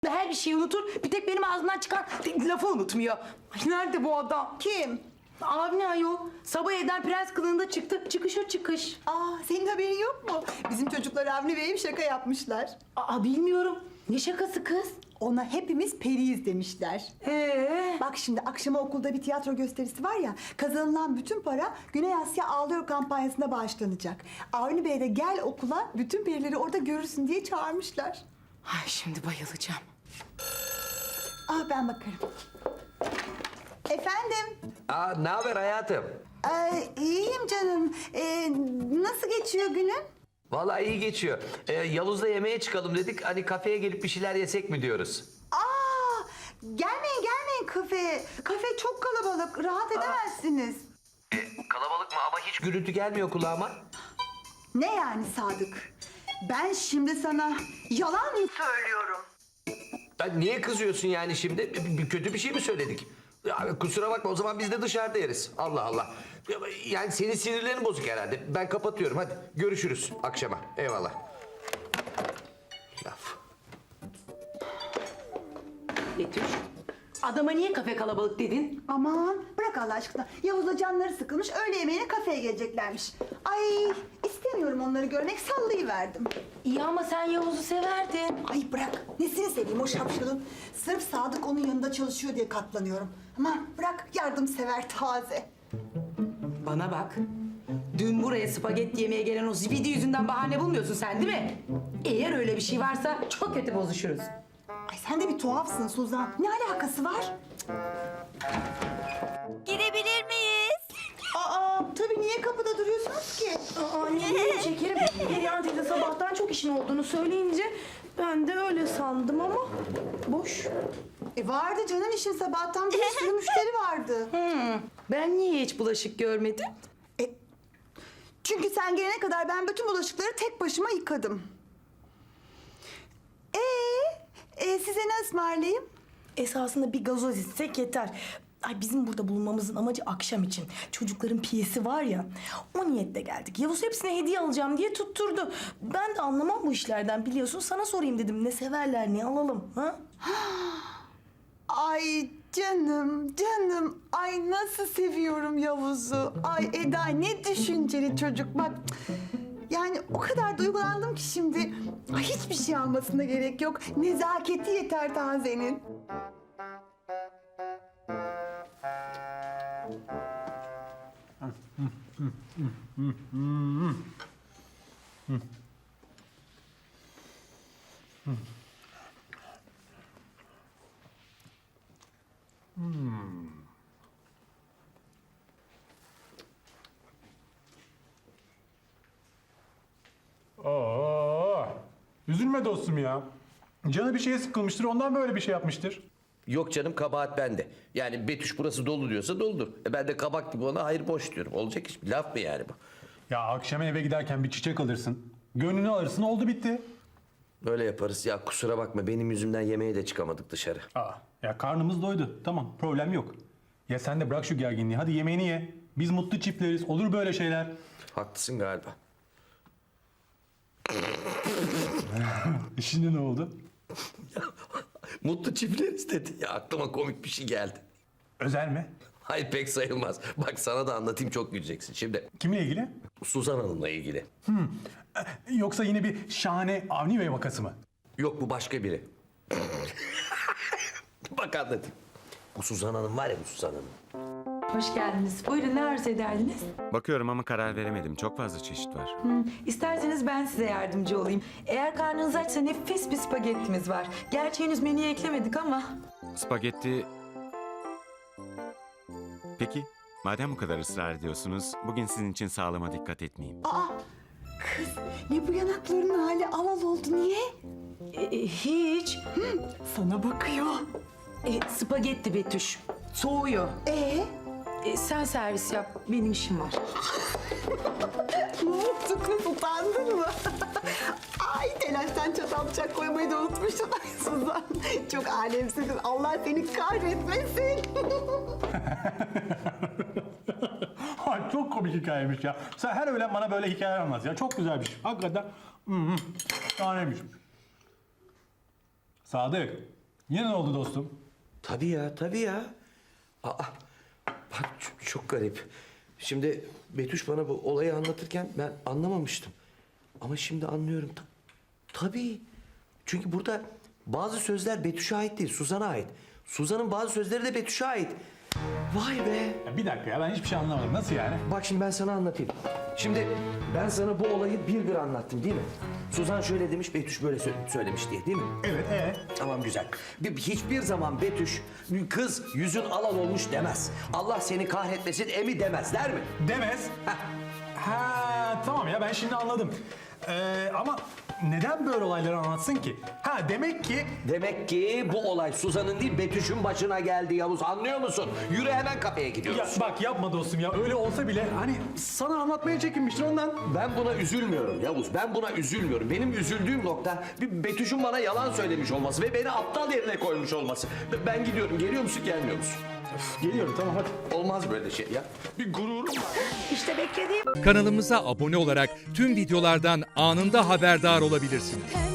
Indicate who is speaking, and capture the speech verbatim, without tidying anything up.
Speaker 1: Her bir şeyi unutur. Bir tek benim ağzımdan çıkan lafı unutmuyor. Ay nerede bu adam?
Speaker 2: Kim?
Speaker 1: Avni ayol. Sabah evden prens kılığında çıktı. Çıkış o çıkış.
Speaker 2: Aa, senin haberin yok mu? Bizim çocuklar Avni Bey'e bir şaka yapmışlar.
Speaker 1: Aa bilmiyorum. Ne şakası kız?
Speaker 2: Ona hepimiz periyiz demişler.
Speaker 1: Ee?
Speaker 2: Bak şimdi akşama okulda bir tiyatro gösterisi var ya, kazanılan bütün para Güney Asya Ağlıyor kampanyasına bağışlanacak. Avni Bey de gel okula, bütün perileri orada görürsün diye çağırmışlar.
Speaker 1: Ay şimdi bayılacağım.
Speaker 2: Ah, ben bakarım. Efendim?
Speaker 3: Aa, ne haber hayatım?
Speaker 2: Ee, iyiyim canım. Ee, nasıl geçiyor günün?
Speaker 3: Vallahi iyi geçiyor. Ee, Yavuz'la yemeğe çıkalım dedik. Hani kafeye gelip bir şeyler yesek mi diyoruz?
Speaker 2: Aa, gelmeyin gelmeyin kafeye. Kafe çok kalabalık, rahat edemezsiniz.
Speaker 3: E, kalabalık mı ama hiç gürültü gelmiyor kulağıma.
Speaker 2: Ne yani Sadık? Ben şimdi sana yalan mı söylüyorum?
Speaker 3: Ben niye kızıyorsun yani şimdi? Bir- bir- Kötü bir şey mi söyledik? Ya, kusura bakma o zaman biz de dışarıda yeriz. Allah Allah. Yani senin sinirlerin bozuk herhalde. Ben kapatıyorum hadi. Görüşürüz akşama. Eyvallah. Laf.
Speaker 1: Betüş. Adama niye kafe kalabalık dedin?
Speaker 2: Aman bırak Allah aşkına. Yavuz'la canları sıkılmış, öğle yemeğine kafeye geleceklermiş. Ay, istemiyorum onları görmek, sallayıverdim.
Speaker 1: İyi ama sen Yavuz'u severdin.
Speaker 2: Ay bırak, nesini seveyim o şapşalın. Sırf Sadık onun yanında çalışıyor diye katlanıyorum. Aman bırak, yardımsever taze.
Speaker 1: Bana bak. Dün buraya spagetti yemeye gelen o zibidi yüzünden bahane bulmuyorsun sen değil mi? Eğer öyle bir şey varsa çok kötü bozuşuruz.
Speaker 2: Ay sen de bir tuhafsın Suzan. Ne alakası var?
Speaker 4: Girebilir miyiz?
Speaker 2: Aa, tabii niye kapıda duruyorsunuz ki?
Speaker 1: Aa ne şekerim. Perihan teyze sabahtan çok işin olduğunu söyleyince ben de öyle sandım ama boş.
Speaker 2: E vardı canım işin sabahtan, bir sürü müşteri vardı.
Speaker 1: Hmm, ben niye hiç bulaşık görmedim?
Speaker 2: E, çünkü sen gelene kadar ben bütün bulaşıkları tek başıma yıkadım. Ee, e, size ne ısmarlayayım?
Speaker 1: Esasında bir gazoz içsek yeter. Ay bizim burada bulunmamızın amacı akşam için. Çocukların piyesi var ya, o niyetle geldik. Yavuz hepsine hediye alacağım diye tutturdu. Ben de anlamam bu işlerden biliyorsun. Sana sorayım dedim. Ne severler, ne alalım? Ha?
Speaker 2: Ay canım, canım. Ay nasıl seviyorum Yavuz'u. Ay Eda ne düşünceli çocuk. Bak yani o kadar duygulandım ki şimdi. Ay, hiçbir şey almasına gerek yok. Nezaketi yeter tazenin.
Speaker 5: Oo, üzülme dostum ya. Canı bir şeye sıkılmıştır, ondan böyle bir şey yapmıştır.
Speaker 3: Yok canım kabahat bende. Yani Betüş burası dolu diyorsa doludur. E ben de kabak gibi ona hayır boş diyorum. Olacak iş mi? Laf mı yani bu?
Speaker 5: Ya akşam eve giderken bir çiçek alırsın. Gönlünü alırsın, oldu bitti.
Speaker 3: Böyle yaparız. Ya kusura bakma benim yüzümden yemeğe de çıkamadık dışarı.
Speaker 5: Aa, ya karnımız doydu. Tamam, problem yok. Ya sen de bırak şu gerginliği. Hadi yemeğini ye. Biz mutlu çiftleriz. Olur böyle şeyler.
Speaker 3: Haklısın galiba.
Speaker 5: E şimdi ne oldu?
Speaker 3: Mutlu çiftleriz dedi. Ya aklıma komik bir şey geldi.
Speaker 5: Özel mi?
Speaker 3: Hayır pek sayılmaz. Bak sana da anlatayım çok güleceksin. Şimdi
Speaker 5: Kimle ilgili?
Speaker 3: Suzan Hanım'la ilgili.
Speaker 5: Yoksa yine bir şahane Avni Bey vakası mı?
Speaker 3: Yok bu başka biri. Bak anlatayım. Bu Suzan Hanım var ya bu Suzan Hanım.
Speaker 1: Hoş geldiniz. Buyurun ne arzu ederdiniz?
Speaker 6: Bakıyorum ama karar veremedim. Çok fazla çeşit var.
Speaker 1: İsterseniz ben size yardımcı olayım. Eğer karnınız açsa nefis bir spagettimiz var. Gerçi henüz menüye eklemedik ama.
Speaker 6: Spagetti... Peki, madem bu kadar ısrar ediyorsunuz, bugün sizin için sağlığıma dikkat etmeyeyim.
Speaker 2: Aa, kız ne bu yanaklarının hali aval oldu, niye?
Speaker 1: E, e, hiç.
Speaker 2: Sana bakıyor.
Speaker 1: E, spagetti Betüş. Soğuyor.
Speaker 2: Ee,
Speaker 1: E, sen servis yap. Benim işim var.
Speaker 2: ne oldu kız, utandın mı? Ay telaştan çatal bıçak koymayı da unutmuşsun. Ay Suzan çok alemsin kız. Allah seni kahretmesin.
Speaker 5: Ay çok komik hikayemiş ya. Sen her öğlen bana böyle hikaye anlat ya. Çok güzelmiş. Hakikaten. Hı hı. Şahaneymiş. Sadık, yine ne oldu dostum?
Speaker 3: Tabii ya, tabii ya. Aa, bak ç- çok garip. Şimdi Betüş bana bu olayı anlatırken ben anlamamıştım. Ama şimdi anlıyorum. Ta- tabii. Çünkü burada bazı sözler Betüş'e ait değil, Suzan'a ait. Suzan'ın bazı sözleri de Betüş'e ait. Vay be.
Speaker 5: Ya bir dakika ya, ben hiçbir şey anlamadım. Nasıl yani?
Speaker 3: Bak şimdi ben sana anlatayım. Şimdi ben sana bu olayı bir bir anlattım değil mi? Suzan şöyle demiş, Betüş böyle sö- söylemiş diye değil mi?
Speaker 5: Evet, ee?
Speaker 3: Tamam güzel. Bir- Hiçbir zaman Betüş kız yüzün alan olmuş demez. Allah seni kahretmesin emi demez der mi?
Speaker 5: Demez.
Speaker 3: Heh.
Speaker 5: Ha tamam ya, ben şimdi anladım. Ee, ama neden böyle olayları anlatsın ki? Ha demek ki...
Speaker 3: Demek ki bu olay Suzan'ın değil Betüş'ün başına geldi Yavuz, anlıyor musun? Yürü hemen kafeye
Speaker 5: Ya
Speaker 3: gidiyoruz.
Speaker 5: bak yapma dostum ya, öyle olsa bile hani sana anlatmaya çekinmiştir ondan.
Speaker 3: Ben buna üzülmüyorum Yavuz, ben buna üzülmüyorum. Benim üzüldüğüm nokta bir Betüş'ün bana yalan söylemiş olması ve beni aptal yerine koymuş olması. Ben gidiyorum, geliyor musun gelmiyor musun?
Speaker 5: Geliyorum, tamam hadi.
Speaker 3: Olmaz böyle şey ya. Bir gururum var.
Speaker 1: İşte beklediğim
Speaker 7: Kanalımıza abone olarak tüm videolardan anında haberdar olabilirsiniz.
Speaker 8: Her